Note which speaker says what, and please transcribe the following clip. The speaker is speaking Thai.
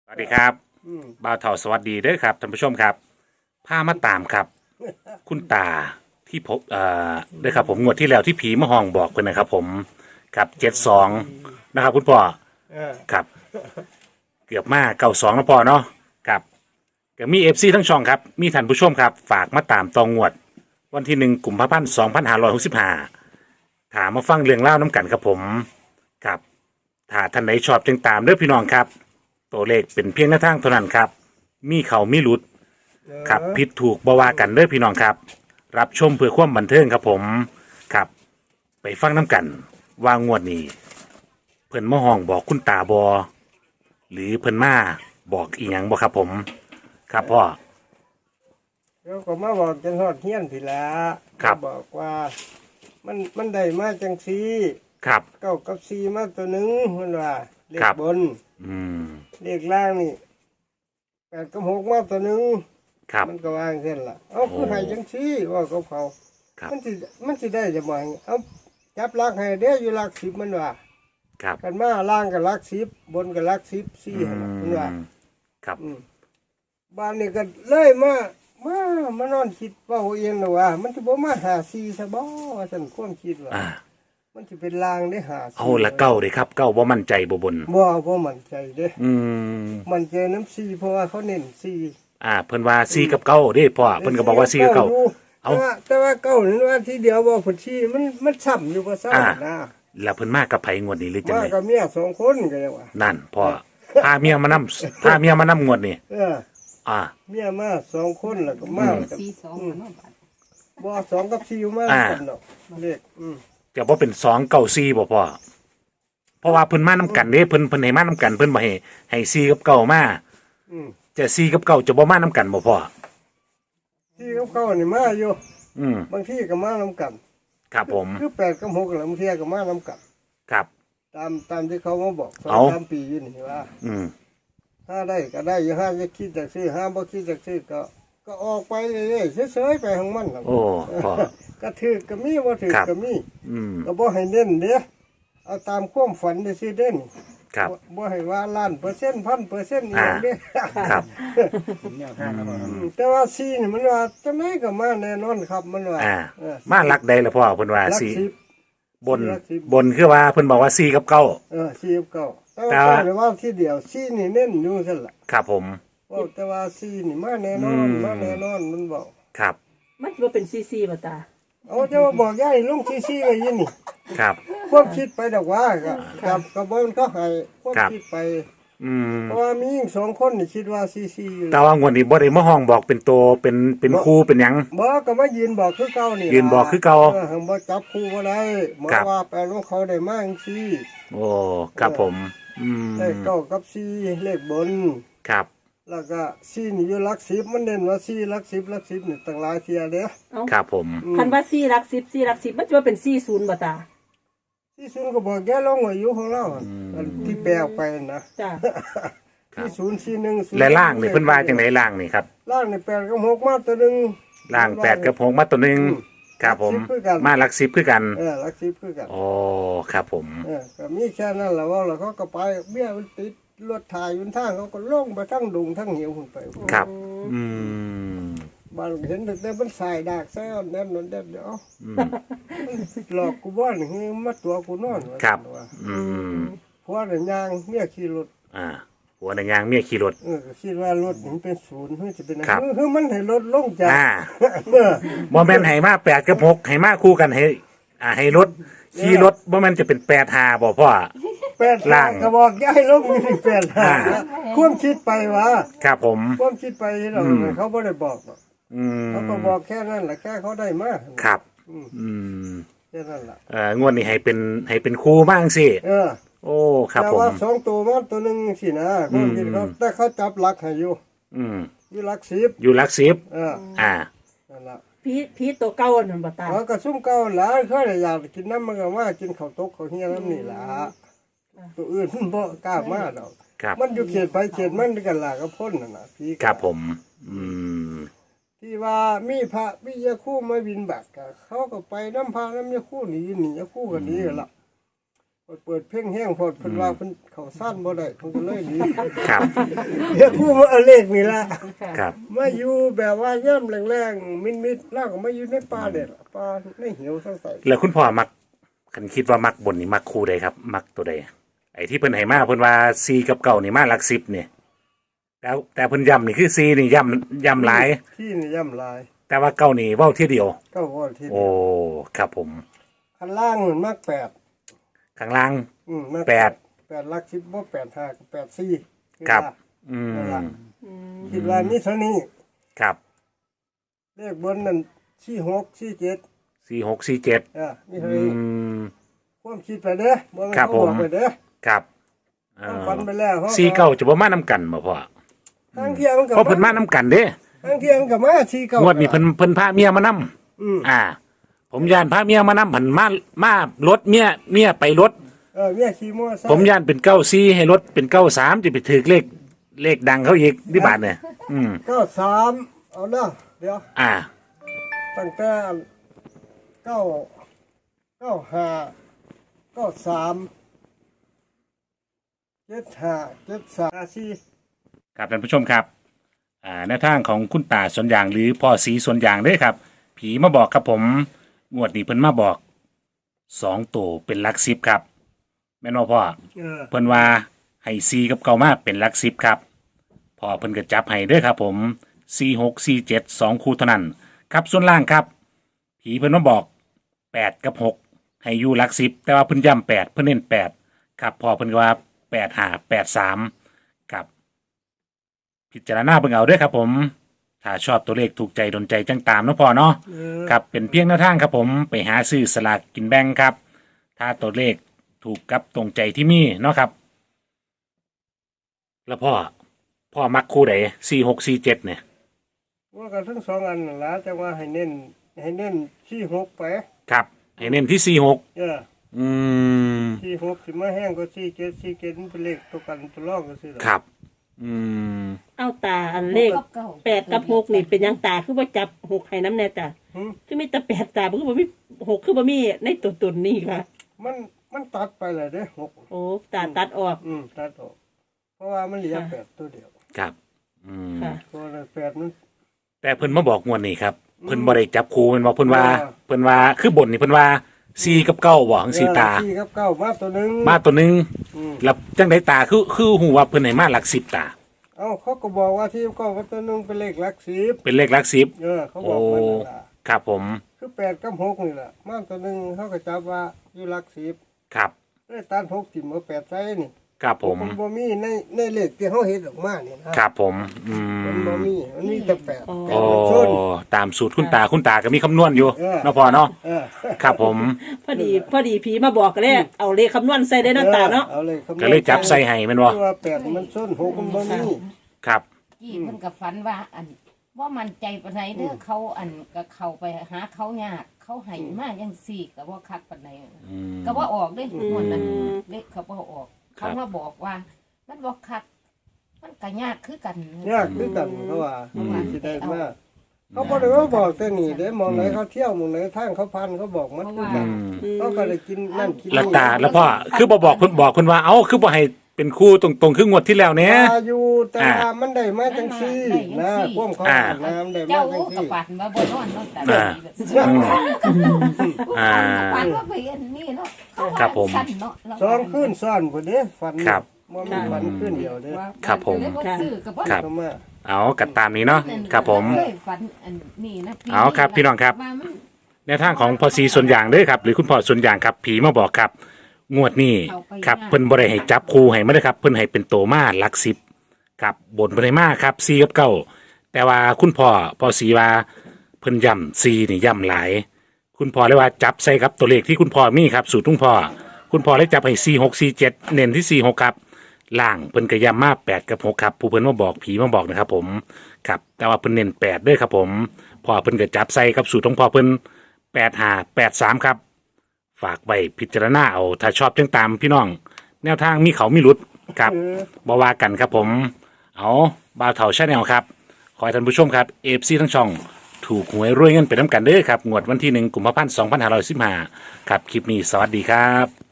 Speaker 1: สวัสดีครับ
Speaker 2: อืม
Speaker 1: บ่าวเฒ่าสวัสดีเด้อครับท่านผู้ชมครับพามาตามครับ คุณตาที่พบเด้อครับผมงวดที่แล้วที่ผีมาห้องบอกเพิ่นนะครับผมครับ72นะครับคุณพ่อ
Speaker 2: เออ
Speaker 1: ครับเกือบมา92แล้วพ่อเนาะครับก็มี FC ทั้งช่องครับมีท่านผู้ชมครับฝากมาตามตองงวดวันที่1 กุมภาพันธ์ 2565ถามมาฟังเรื่องเล่าวน้ำกันครับผมครับถ้าท่านไหนชอบจึงตามเด้อพี่น้องครับ ตัวเลขเป็นเพียงหน้าทางเท่านั้นครับ มีเขามีหลุดครับผิดถูกบ่ว่ากันเด้อพี่น้องครับ รับชมเพื่อความบันเทิงครับผมครับ ไปฟังน้ำกันว่างวดนี้ เพิ่นมาห้องบอกคุณตาบอหรือเพิ่นมาบอกอีหยังบ่ครับผม ครับพ่อ
Speaker 2: แล้วก็มาบอกจังฮอดเฮียนพี่ละ
Speaker 1: ครับ
Speaker 2: มาบอกว่า มันได้มาจังซี
Speaker 1: ครับ
Speaker 2: เก้ากับซีมาตัวหนึ่งมันว่าเลข
Speaker 1: ครับ
Speaker 2: บน
Speaker 1: อืม
Speaker 2: เลขล่างนี่แปดกับหกมาตัวหนึ่ง
Speaker 1: ครับ
Speaker 2: มันก็วางเส้นละเอาคือให้จังซีว่ากับเขา
Speaker 1: ครับ
Speaker 2: มันสิได้จะบ่อยเอาจับลักให้เด้ออยู่ลักสิบมันว่า
Speaker 1: ครับ
Speaker 2: กันมาล่างกับลักสิบบนกับลักสิบสี่
Speaker 1: อื
Speaker 2: หั่นล่ะมันว่า
Speaker 1: มครับ
Speaker 2: บ้านนี่ก็เลยมานอนคิดว่าเองนะว่า มันจะบ่มาหาซีซะบ่ว่าฉันความคิดว่า
Speaker 1: อ่า
Speaker 2: มันจะเป็นลางได้หาซี
Speaker 1: เอาละเก้าเลยครับเก้าบ่มั่นใจบ่บน
Speaker 2: บ่มั่นใจเด้
Speaker 1: อืม
Speaker 2: มันใจน้ำซีเพราะว่าเขาเน้นซี
Speaker 1: เพิ่นว่าซีกับเก้าเด้พ่อเพิ่นก็บอกว่าซีกับเก้า
Speaker 2: อยู่
Speaker 1: เอา
Speaker 2: แต่ว่าเก้านี่ว่าทีเดียวบ่ผลซีมันซ้ำอยู่บ่ซ้ำนะ
Speaker 1: แล้วเพิ่นมากับไผงวดนี้หรือจัง
Speaker 2: มา
Speaker 1: ได
Speaker 2: กับเมียสองคนก็ยังว่า
Speaker 1: นั่นพ่อพาเมียมานำพาเมียมานำงวดนี่
Speaker 2: เออ
Speaker 1: อ่า
Speaker 2: เมียมาสองคนแล้วก็มากับ
Speaker 3: 42เนาะบาด
Speaker 2: บ่สองกับซีมา
Speaker 1: อ่า
Speaker 2: กันดอกเลข
Speaker 1: จะบ่เป็น2 9 4บ่พ่อเพราะว่าเพิ่นมานำกันเด้เพิ่นให้มานำกันเพิ่นบ่ให้4กับเก้ามา
Speaker 2: อืม
Speaker 1: จะ4กับเก้าจะบ่มานำกันบ่พ่อ
Speaker 2: ซีกับเก้านี่มาอยู่
Speaker 1: อืม
Speaker 2: บางทีก็มานํกัน
Speaker 1: ครับผม
Speaker 2: คือแปดกับหกแล้วบางทีก็มานํกัน
Speaker 1: ครับ
Speaker 2: ตามที่เขามาบอกสอง
Speaker 1: เอา
Speaker 2: สามปีอยู่นี่ว่า
Speaker 1: อืม
Speaker 2: ถ้าได้ก็ได้อยู่ห้าจะคิดจากซื้อห้าบ่คิดจากซื้อก็ออกไปเรื่อยๆเฉยๆไปของมันล่ะ
Speaker 1: โอ้พ่อ
Speaker 2: ก็ถือก็มีบ่ถือ
Speaker 1: ครับ
Speaker 2: ก็มี
Speaker 1: อืม
Speaker 2: ก็บ่ให้เน้นเด้อเอาตามความฝันได้สิเด่น
Speaker 1: ครับ
Speaker 2: บ่ให้ว่าล้านเปอร์เซ็นต์1,000%อีหยังเด้อ
Speaker 1: ครับ
Speaker 2: แต่ว่าซีนี่มันว่าจังไดก็มาแน่นอนครับมันว่า เออ
Speaker 1: มาหลักใดล่ะพ่อเพิ่นว่า
Speaker 2: หลัก
Speaker 1: สี่
Speaker 2: สิบบ
Speaker 1: น
Speaker 2: หลักสิบ
Speaker 1: บนคือว่าเพิ่นบอกว่า4กับเก้า
Speaker 2: ซีกับเก้าแต่
Speaker 1: แต่
Speaker 2: ว่า
Speaker 1: ว่า
Speaker 2: เก้านี่ว่าที่เดียวซีนี่เน้นอยู่ซั่นล่ะ
Speaker 1: ครับผม
Speaker 2: ว่าแต่ว่าซีนี่มาแน่นอน
Speaker 1: อืม
Speaker 2: มาแน่นอนมันบอก
Speaker 1: ครับ
Speaker 3: มันบ่เป็นซีบ่ตา
Speaker 2: เอาจะมาบอกย่ายลงซีไว้ยินนี่
Speaker 1: ครับ
Speaker 2: ความคิดไปดอกว่ากับบ่มันก็ให้ความ
Speaker 1: ครับ
Speaker 2: คิดไป
Speaker 1: อืม
Speaker 2: เพราะว่ามีหญิงสองคนนี่คิดว่าซีอยู่
Speaker 1: แต่ว่างวดนี้บ่ได้มาห้องบอกเป็นโตเป็นครูเป็นหยัง
Speaker 2: บ่ก็มายืนบอกคือเก่านี่
Speaker 1: ยืนบอกคือเก่า
Speaker 2: บ่จับคู่บ่ได้หมอ
Speaker 1: ครับ
Speaker 2: ว่าแปลว่าเขาได้มาจังซี่
Speaker 1: โอ้ครับผม อืม
Speaker 2: เลขเก้ากับซีเลขบน
Speaker 1: ครับ
Speaker 2: แล้วก็ซีนี่อยู่หลักสิบมันเน้นว่าซีหลักสิบนี่ตั้งหลายเที่ยเด้อ
Speaker 3: เอ้า
Speaker 1: ครับผม
Speaker 3: คันว่า4หลัก10 4หลัก10มันจะว่าเป็น40บ่ตา
Speaker 2: ที่ศูนย์ก็บอกแกลงอายุของเราอันที่แปลออกไปนะ
Speaker 3: จ้า
Speaker 2: ที่ศูนย์สี่หนึ่ง
Speaker 1: และล่างนี่เพิ่นว่าจังไดล่างนี่ครับ
Speaker 2: ล่างนี่แปดกับหกมาตัวหนึ่ง
Speaker 1: ล่าง8กับ6มาตัวหนึงครับผม
Speaker 2: หลัก10คือกัน
Speaker 1: มาหลัก10คือกัน
Speaker 2: หลักสิบคือกัน
Speaker 1: โอ้ครับผม
Speaker 2: ก็มีแค่นั้นแหละว่าแล้วเขาก็ไปเบี้ยมันติดรถถ่ายอยู่ทางเขาก็ลงไปทั้งดุงทั้งเหวขึ้นไป
Speaker 1: ครับ อืม
Speaker 2: บางเห็นแต่มันสายดากแซ่บแน่นอนเด็ดเดี๋ยว
Speaker 1: อืม
Speaker 2: หลอกกูบ้านคือมาตัวกูนอนว่า
Speaker 1: ครับ
Speaker 2: ว่า
Speaker 1: อืม
Speaker 2: เพราะว่าเดี๋ยวยางเมียขี่รถ
Speaker 1: หัวในยางเมียขี่รถ
Speaker 2: ก็คิดว่ารถมันเป็นศูนย์เฮ้ยจะเป็นอะไร
Speaker 1: ครับ
Speaker 2: คือมันให้รถลงจาก
Speaker 1: อ่า
Speaker 2: เออ
Speaker 1: บ่แม่นให้มา8กับ6ให้มาคู่กันให้ให้รถขี่รถบ่แม่นจะเป็น8 5บ่พ่อ
Speaker 2: แปด
Speaker 1: ล่าง
Speaker 2: กระบอกย้ายลงมีแปดหา
Speaker 1: อ่า
Speaker 2: ความคิดไปวะ
Speaker 1: ครับผม
Speaker 2: ความคิดไปเรา
Speaker 1: อืม
Speaker 2: เขาไม่ได้บอกหรอก
Speaker 1: อืม
Speaker 2: เขาก็บอกแค่นั้นแหละแค่เขาได้มา
Speaker 1: ครับ
Speaker 2: อืม
Speaker 1: อืม
Speaker 2: แค่นั้นแหละ
Speaker 1: งวดนี้ให้เป็นครูบ้างสิ
Speaker 2: เออ
Speaker 1: โอ้ครับ
Speaker 2: แต่
Speaker 1: ผม
Speaker 2: ว่าสองตัวมันตัวหนึ่งสินะความคิดเขาแต่เขาจับหลักให้อยู่
Speaker 1: อืม
Speaker 2: อยู่หลักสิบ
Speaker 1: อยู่หลักสิบ
Speaker 2: เออ
Speaker 1: อ่า
Speaker 2: นั่นแหละ
Speaker 3: ผีตัวเก่านั่นบ่ตา
Speaker 2: เขาก็ซุ่มเก่าหลายเขาเลยอยากกินน้ำมันก็ว่ากินข้าวตกข้าวเฮียน้ำนี่ล่ะตัวอื่นมันบ่กล้ามาดอก
Speaker 1: ครับ
Speaker 2: มันอยู่เขตไปเขตมันด้วยกันล่ะก็พ้นน่ะนะพี่
Speaker 1: ครับผม อืม
Speaker 2: ที่ว่ามีพระวิยาคู่มาบินบัตรก็เขาก็ไปน้ำพระน้ำยาคู่หนียาคู่กันนี้กันละเปิดเพลงแห้งพอเพิ่นว่าเพิ่นเข้าซ่านบ่ได้เพิ่นก็เลยหนี
Speaker 1: ครับ
Speaker 2: เดี๋ยวผู้มาเอาเลขนี่ล่ะ
Speaker 1: ครับ
Speaker 2: มาอยู่แบบว่าย่ำแรงๆมิดๆแล้วก็มาอยู่ในป่าเด็ดป่าในเหี่ยวใส่
Speaker 1: แล้วคุณพ่อมักคันคิดว่ามักบนนี่มักคู่ใดครับ มักตัวใดไอ้ที่เพิ่นให้มาเพิ่นว่า4กับเก้านี่มาหลัก10เนี่ยแล้วแต่เพิ่นย้ำนี่คือ4นี่ย้ำหลาย
Speaker 2: ที่นี่ย่ำลาย
Speaker 1: แต่ว่าเก้านี่เว้าเที่ยเดียว
Speaker 2: ก็ว่าที่
Speaker 1: โอ้ครับผม
Speaker 2: ข้างล่างมันมากแปด
Speaker 1: ข้างล่าง
Speaker 2: มาก
Speaker 1: แปด
Speaker 2: แปดหลัก10บ่8 5กับ8 4
Speaker 1: ครับ อืม
Speaker 2: คิดว่ามีเท่านี้
Speaker 1: ครับ
Speaker 2: เลขบนนั่น46 47
Speaker 1: 4647
Speaker 2: มีเท่า
Speaker 1: อื
Speaker 2: นี้
Speaker 1: ม
Speaker 2: ความคิดไปเด้อบ่แม่น
Speaker 1: ครับ
Speaker 2: เขาบอก
Speaker 1: ผม
Speaker 2: ไปเด้อ
Speaker 1: ครับเอ
Speaker 2: ความ
Speaker 1: อ
Speaker 2: ฝันไปแล้ว
Speaker 1: 4เก้าจะบ่มานํกันบ่พ่อ
Speaker 2: ทางเที่ยงก็
Speaker 1: เพราะเพิ่นมานํกันเด้
Speaker 2: ทางเที่ยงก็มา49
Speaker 1: งวดนี้เพิ่นพาเมียมานํ
Speaker 2: อืม
Speaker 1: ผมย่านพาเมียมานํผันมารถเมียไปรถ
Speaker 2: เมียขี่มอไซค์
Speaker 1: ผมย่านเป็น94ให้รถเป็น93จะไปถือเลขดังเขาอีกที่บาทเนี่ย
Speaker 2: 93เอาเด้อเดี๋ยว
Speaker 1: อ่า
Speaker 2: ตั้งแต่95 93 75 73
Speaker 1: ครับท่านผู้ชมครับแนวทางของคุณตาสวนยางหรือพ่อสีสวนยางเด้อครับ ผีมาบอกครับผมงวดนี้เพิ่นมาบอก2ตัวเป็นหลัก10ครับแม่นบ่พ่อ เพิ่นว่าให้4กับเก้ามาเป็นหลัก10ครับพ่อเพิ่นก็จับให้เด้อครับผม46 47 2คู่เท่านั้นครับส่วนล่างครับ ผีเพิ่นมาบอก8กับ6ให้อยู่หลัก10แต่ว่าเพิ่นย้ำ8เพิ่นเน้น8ครับพ่อเพิ่นก็ว่า8 5 8 3ครับพิจารณาเบิ่งเอาเด้อครับผมถ้าชอบตัวเลขถูกใจดนใจจังตามเนาะพ่อเนาะครับเป็นเพียงแนวทางครับผมไปหาซื้อสลากกินแบ่งครับถ้าตัวเลขถูกกับตรงใจที่มีเนาะครับ แล้วพ่อมักคู่ไหน4647เนี่ย
Speaker 2: ว่ากันทั้งสองอันนั่นล่ะแต่ว่าให้เน้น46ไป
Speaker 1: ครับให้เน้นที่46อืม
Speaker 2: 46สิมาแห้งก็47มันเป็นเลขตัวกันตัวรองก็ซื่อ
Speaker 1: ครับอืม
Speaker 3: เอาตาอันเลข8กับ6นี่เป็นหยังตาคือบ่จับ6ให้น้ำแน่จ้ะคือมีแต่8ตาบ่คือบ่มี6คือบ่มีในตัวตนนี่ค่ะ
Speaker 2: มันตัดไปเลยเด้6
Speaker 3: โอ้ตาตัดออก
Speaker 2: ตัดออกเพราะว่ามันเหลือ8ตัวเดียว
Speaker 1: ครับอืม
Speaker 3: ค่ะ
Speaker 2: เพราะว่า8มัน
Speaker 1: แต่เพิ่นมาบอกงวดนี้ครับเพิ่นบ่ได้จับคู่เพิ่นบอกเพิ่นว่าคือบนนี่เพิ่นว่า4กับ9บ่จังซี่ตา
Speaker 2: 4กับ9มาตัวหนึง
Speaker 1: มาตัวหนึง
Speaker 2: อืม
Speaker 1: แล้วจังไดตาคือฮู้ว่าเพิ่นให้มาหลัก10ตา
Speaker 2: เอ้าเขาก็บอกว่าที่9กับตัวหนึงเป็นเลขหลัก10
Speaker 1: เป็นเลขหลัก10
Speaker 2: เขาบอกมานั่นล่ะ
Speaker 1: ครับผม
Speaker 2: คือ8กับ6นี่ล่ะมาตัวหนึงเขาก็จับว่าอยู่หลัก10
Speaker 1: ครับ
Speaker 2: เลยตัด6ทิ่มเอา8ใส่นี่
Speaker 1: ครับผม
Speaker 2: นบ่มีในเลขที่เขาเฮ็ดออกมานี่นะครับ
Speaker 1: ผมอื
Speaker 2: มัน
Speaker 1: ม
Speaker 2: บ่มีมันมีแต่8
Speaker 3: อ๋อ
Speaker 1: โอ้
Speaker 2: มันชน
Speaker 1: ตามสูตรคุณตาก็มีคำนวณอยู่
Speaker 2: เออ
Speaker 1: เนาะพ่อเนาะ
Speaker 2: เออ
Speaker 1: ครับผม
Speaker 3: พอดีผีมาบอกก็เลยเอาเลขคำนวณใส่ได้เนาะตาเนาะ
Speaker 2: เอาเลยคำนวณ
Speaker 1: ก็เลยจับใส่ให้แม่นบ่
Speaker 2: คือว่า8มันชน6มันบ่มี
Speaker 1: ครับ
Speaker 4: กี้เพิ่นก็ฝันว่าอันว่ามันใจปานใดเด้อเขาอันก็เข้าไปหาเขายากเขาให้มาจังซี่ก็บ่คักปานใด
Speaker 1: อืม
Speaker 4: ก็บ่ออกเด้หมดนั้น
Speaker 3: อืม
Speaker 4: เด็กเขาบ่ออก
Speaker 1: ครับ
Speaker 4: เขามาบอกว่า มันบ่คัก มันก็ยากคือกัน
Speaker 2: ยากคือกันเขาว่า
Speaker 1: อืม
Speaker 2: สิได้มาเขาบ่ได้ว่าบอกแต่นี่เด้มองไหนเขาเที่ยวมองไหนทางเขาพันเขาบอกมันคือ
Speaker 1: อื
Speaker 2: กัน
Speaker 1: ม
Speaker 2: เขาก็เลยกินนั่นกิน
Speaker 1: แล้วตาแล้วพ่อคือบอกเพิ่นว่าเอ้าคือบ่ให้เป็นคู่ตรงๆคืองวดที่แล้วเนี่ย
Speaker 2: ตาอยู่แต่ว่ามันได้มาจังซี่นะความเขาน้ำได้มา
Speaker 4: เจ้า
Speaker 2: จัง
Speaker 4: ก็
Speaker 2: ซี่
Speaker 4: ปันมาบ่นอนเนาะแต่
Speaker 1: อ่า
Speaker 4: ปันว่าไปอันนี้เนาะเขาว่า
Speaker 1: ครับผม
Speaker 4: สั้นเนาะเรา
Speaker 2: ซ้อนขึ้นซ้อนพุ่นเด้ฝัน
Speaker 1: ครับ
Speaker 2: บ่มีฝันขึ้นเดียวเด้
Speaker 4: ว่า
Speaker 1: ครับผม
Speaker 4: เลยบ่ซื้อก็บ่
Speaker 1: ครับ
Speaker 2: ก็มา
Speaker 1: เอากัดตามนี้เนาะครับผม
Speaker 4: เคยฝันอันนี้นะ
Speaker 1: เอาครับพี่น้องครับ
Speaker 4: ว่ามัน
Speaker 1: ในทางของพอสีส่วนอย่างเด้อครับหรือคุณพ่อส่วนอย่างครับผีมาบอกครับ งวดนี้ครับเพิ่นบ่ได้ให้จับคู่ให้มาเด้อครับเพิ่นให้เป็นโตมาหลัก10ครับบนบ่ได้มาครับ4กับ9แต่ว่าคุณพ่อสีว่าเพิ่นย้ำ4นี่ย้ำหลาย คุณพ่อเลยว่าจับใส่ครับตัวเลขที่คุณพ่อมีครับสูตรคุณพ่อเลยจับให้4647เน้นที่46ครับล่างเพิ่นก็ย้ำมา8กับ6ครับผู้เพิ่นมาบอกผีมาบอกนะครับผมครับแต่ว่าเพิ่นเน้น8ด้วยครับผมพ่อเพิ่นก็จับใส่ครับสูตรของพ่อเพิ่น8583ครับฝากไว้พิจารณาเอาถ้าชอบจังตามพี่น้อง แนวทางมีเขามีหลุดครับบ่ว่ากันครับผมเอาบ่าวเฒ่าชาแนลครับขอให้ท่านผู้ชมครับ FC ทั้งช่องถูกหวยรวยเงินไปน้ำกันเด้อครับงวดวันที่1 กุมภาพันธ์ 2515ครับคลิปนี้สวัสดีครับ